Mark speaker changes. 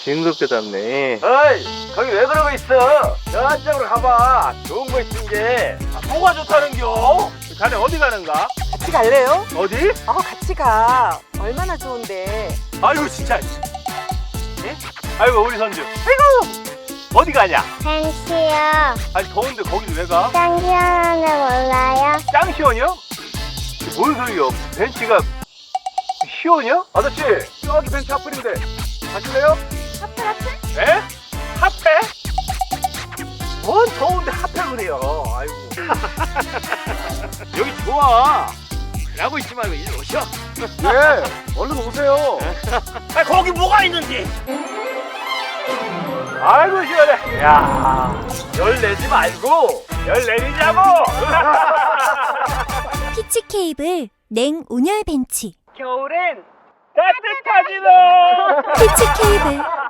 Speaker 1: 징그럽게 닮네.
Speaker 2: 어이, 거기 왜 그러고 있어? 저쪽으로 가봐. 좋은 거 있은 게.
Speaker 1: 뭐가 좋다는겨? 자네 어디 가는가?
Speaker 3: 같이 갈래요?
Speaker 1: 어디?
Speaker 3: 같이 가. 얼마나 좋은데.
Speaker 1: 아이고 진짜. 예? 아이고 우리 선주. 아이고 어디 가냐?
Speaker 4: 벤치요.
Speaker 1: 아니 더운데 거길 왜 가?
Speaker 4: 짱 시원한데 몰라요?
Speaker 1: 짱시원이요? 뭔 소리요? 벤치가 시원이요?
Speaker 2: 아저씨, 저기 벤치 앞플인데. 가실래요?
Speaker 1: 에? 핫팩? 뭔 더운데 핫팩을 그래요? 아이고. 여기 좋아. 일하고 있지 말고 일로 오셔.
Speaker 2: 예, 얼른 오세요.
Speaker 1: 아 거기 뭐가 있는지. 아이고 시원해. 야, 열 내지 말고 열 내리자고.
Speaker 5: 피치 케이블 냉 온열 벤치.
Speaker 1: 겨울엔 따뜻하지 너.
Speaker 5: 피치 케이블